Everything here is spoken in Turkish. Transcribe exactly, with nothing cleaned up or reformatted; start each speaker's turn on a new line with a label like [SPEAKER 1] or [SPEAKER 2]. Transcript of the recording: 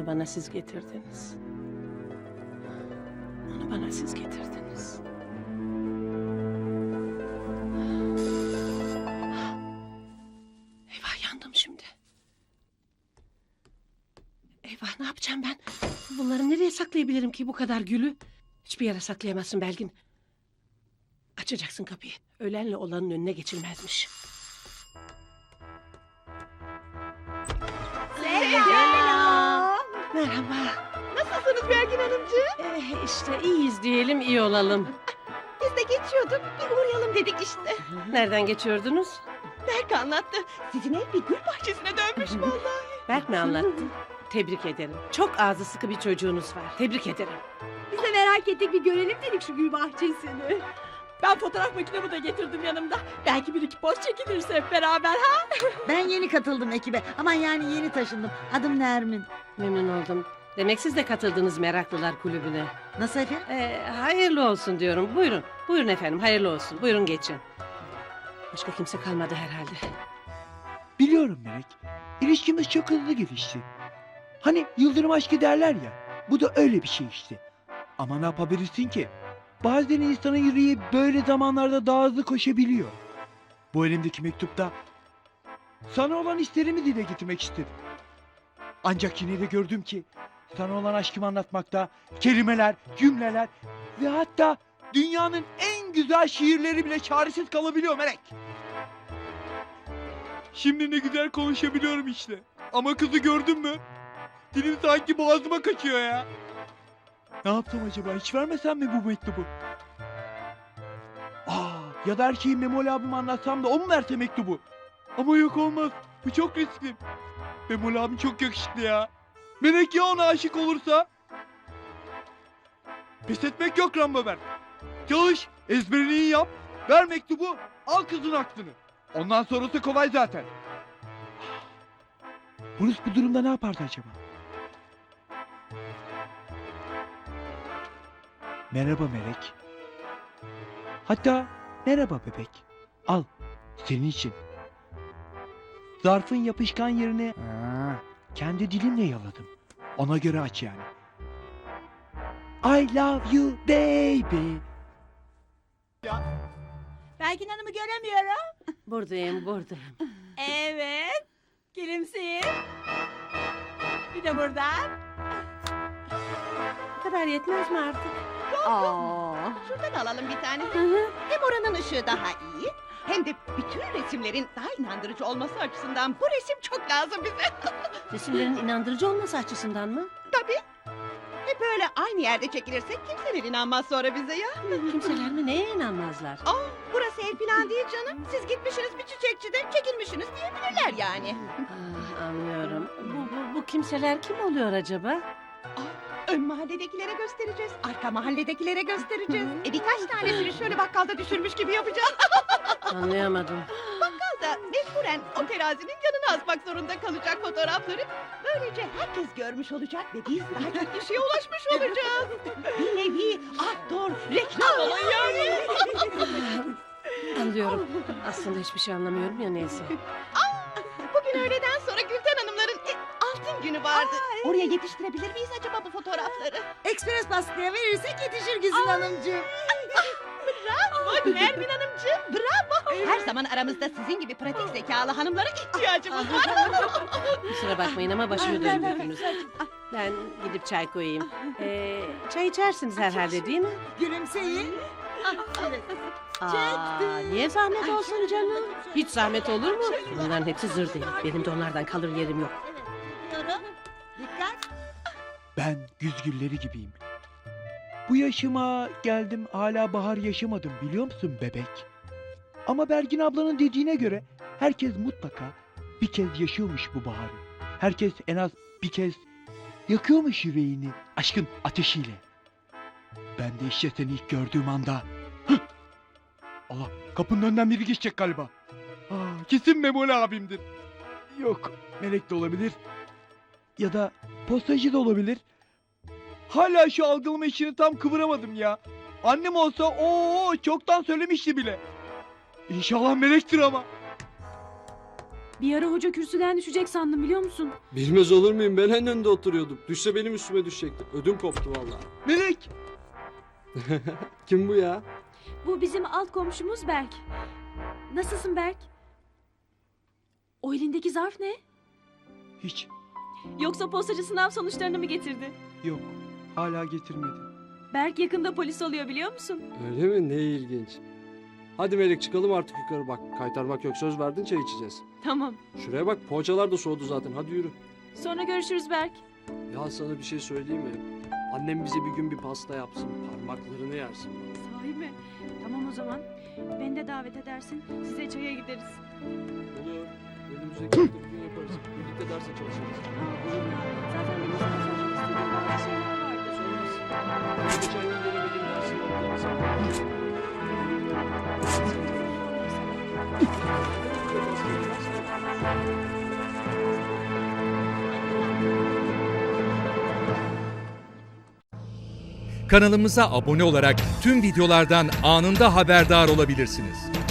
[SPEAKER 1] Onu bana siz getirdiniz. Onu bana siz getirdiniz. Eyvah, yandım şimdi. Eyvah, ne yapacağım ben? Bunları nereye saklayabilirim ki bu kadar gülü? Hiçbir yere saklayamazsın Belgin. Açacaksın kapıyı. Ölenle olanın önüne geçilmezmiş.
[SPEAKER 2] Selam.
[SPEAKER 1] Merhaba.
[SPEAKER 2] Nasılsınız Belgin Hanımcığım?
[SPEAKER 1] Eh, işte iyiyiz diyelim, iyi olalım.
[SPEAKER 2] Biz de geçiyorduk. Bir uğrayalım dedik işte.
[SPEAKER 1] Nereden geçiyordunuz?
[SPEAKER 2] Berk anlattı. Sizin ev bir gül bahçesine dönmüş vallahi.
[SPEAKER 1] Berk mi anlattı? Tebrik ederim. Çok ağzı sıkı bir çocuğunuz var. Tebrik ederim.
[SPEAKER 3] Biz de merak ettik, bir görelim dedik şu gül bahçesini.
[SPEAKER 2] Ben fotoğraf makinemi de getirdim yanımda. Belki bir iki poz çekiliriz hep beraber ha?
[SPEAKER 4] Ben yeni katıldım ekibe. Aman yani yeni taşındım. Adım Nermin.
[SPEAKER 1] Memnun oldum. Demek siz de katıldınız Meraklılar Kulübü'ne.
[SPEAKER 4] Nasıl efendim?
[SPEAKER 1] Ee, hayırlı olsun diyorum. Buyurun. Buyurun efendim, hayırlı olsun. Buyurun geçin. Başka kimse kalmadı herhalde.
[SPEAKER 5] Biliyorum Melek. İlişkimiz çok hızlı gelişti. Hani yıldırım aşkı derler ya. Bu da öyle bir şey işte. Ama ne yapabilirsin ki? Bazen insanın yüreği böyle zamanlarda daha hızlı koşabiliyor. Bu elimdeki mektupta sana olan hislerimi dile getirmek istedim. Ancak yine de gördüm ki sana olan aşkımı anlatmakta kelimeler, cümleler ve hatta dünyanın en güzel şiirleri bile çaresiz kalabiliyor Melek. Şimdi ne güzel konuşabiliyorum işte. Ama kızı gördün mü? Dilim sanki boğazıma kaçıyor ya. Ne yaptım acaba? Hiç vermesem mi bu mektubu? Aa, ya da her şeyi Memoli abime anlatsam da o mu verse mektubu? Ama yok, olmaz. Bu çok riskli. Memoli abim çok yakışıklı ya. Melek ya ona aşık olursa? Pes etmek yok Rambober. Çalış, ezberini iyi yap. Ver mektubu, al kızın aklını. Ondan sonrası kolay zaten. Bruce bu durumda ne yapardı acaba? Merhaba Melek. Hatta merhaba bebek. Al, senin için. Zarfın yapışkan yerine Aa, kendi dilimle yaladım. Ona göre aç yani. I love you baby.
[SPEAKER 3] Belgin Hanım'ı göremiyorum.
[SPEAKER 1] Buradayım, buradayım.
[SPEAKER 3] Evet. Gülümseyin. Bir de buradan.
[SPEAKER 1] Bu kadar yetmez mi artık?
[SPEAKER 3] Aa.
[SPEAKER 2] Şuradan alalım bir tane.
[SPEAKER 1] Hı hı.
[SPEAKER 2] Hem oranın ışığı daha iyi. Hem de bütün resimlerin daha inandırıcı olması açısından bu resim çok lazım bize.
[SPEAKER 1] Resimlerin inandırıcı olması açısından mı?
[SPEAKER 2] Tabii. Hep böyle aynı yerde çekilirsek kimseler inanmaz sonra bize ya.
[SPEAKER 1] Kimseler mi neye inanmazlar?
[SPEAKER 2] Aa, burası ev falan değil canım. Siz gitmişsiniz bir çiçekçide çekilmişsiniz diyebilirler yani.
[SPEAKER 1] Ah, anlıyorum. Bu, bu, bu kimseler kim oluyor acaba?
[SPEAKER 2] Ön mahalledekilere göstereceğiz. Arka mahalledekilere göstereceğiz. E birkaç tanesini şöyle bakkalda düşürmüş gibi yapacağız.
[SPEAKER 1] Anlayamadım.
[SPEAKER 2] Bakkal da mecburen o terazinin yanına asmak zorunda kalacak fotoğrafları. Böylece herkes görmüş olacak ve biz daha çok kişiye ulaşmış olacağız. Bir nevi outdoor reklam olayı yani.
[SPEAKER 1] Anlıyorum. Aslında hiçbir şey anlamıyorum ya, neyse.
[SPEAKER 2] Bugün öğleden sonra Gülten Hanımların e, altın günü vardı. Oraya yetiştirebilir miyiz acaba bu fotoğrafları?
[SPEAKER 4] Ekspres baskıya verirsek yetişir Güzin Hanımcığım.
[SPEAKER 2] Bravo Nermin Hanımcığım, bravo. Her zaman aramızda sizin gibi pratik zekalı hanımlara ihtiyacımız var.
[SPEAKER 1] Kusura bakmayın ama başımı döndürdünüz. Ben gidip çay koyayım. Ee, çay içersiniz herhalde, değil mi?
[SPEAKER 4] Gülümseyin. Evet.
[SPEAKER 1] Aa, niye zahmet olsun canım? Hiç zahmet olur mu? Bunların hepsi zır değil. Benim de onlardan kalır yerim yok.
[SPEAKER 4] Diyorum. Dikkat.
[SPEAKER 5] Ben güz gülleri gibiyim. Bu yaşıma geldim hala bahar yaşamadım biliyor musun bebek? Ama Bergin ablanın dediğine göre herkes mutlaka bir kez yaşıyormuş bu baharı. Herkes en az bir kez yakıyormuş yüreğini aşkın ateşiyle. Ben de işte seni ilk gördüğüm anda... Hıh! Allah, kapının önünden biri geçecek galiba. Aa, kesin Memoli abimdir. Yok, Melek de olabilir. Ya da postacı da olabilir. Hala şu algılama işini tam kıvıramadım ya. Annem olsa o çoktan söylemişti bile. İnşallah Melek'tir ama.
[SPEAKER 3] Bir ara hoca kürsüden düşecek sandım biliyor musun?
[SPEAKER 6] Bilmez olur muyum? Ben en önde oturuyordum. Düşse benim üstüme düşecekti. Ödüm koptu vallahi.
[SPEAKER 5] Melek!
[SPEAKER 6] Kim bu ya?
[SPEAKER 3] Bu bizim alt komşumuz Berk. Nasılsın Berk? O elindeki zarf ne?
[SPEAKER 5] Hiç.
[SPEAKER 3] Yoksa postacı sınav sonuçlarını mı getirdi?
[SPEAKER 5] Yok. Hala getirmedi.
[SPEAKER 3] Berk yakında polis oluyor biliyor musun?
[SPEAKER 6] Öyle mi? Ne ilginç. Hadi Melek çıkalım artık yukarı bak. Kaytarmak yok, söz verdin, çay içeceğiz.
[SPEAKER 3] Tamam.
[SPEAKER 6] Şuraya bak, poğaçalar da soğudu zaten. Hadi yürü.
[SPEAKER 3] Sonra görüşürüz Berk.
[SPEAKER 6] Ya sana bir şey söyleyeyim mi? Annem bize bir gün bir pasta yapsın. Parmaklarını yersin.
[SPEAKER 3] Sahi mi? Tamam o zaman. Beni de davet edersin. Size çaya gideriz.
[SPEAKER 6] Olur. Önümüzdeki hafta bir gün yaparız. Birlikte derse çalışırız.
[SPEAKER 3] Aa, olur ya. Zaten benim sana sormak istediğim bazı şeyler vardı.
[SPEAKER 6] Sormaz. Geçen gün gelemediğim dersini unutlarız.
[SPEAKER 7] Kanalımıza abone olarak tüm videolardan anında haberdar olabilirsiniz.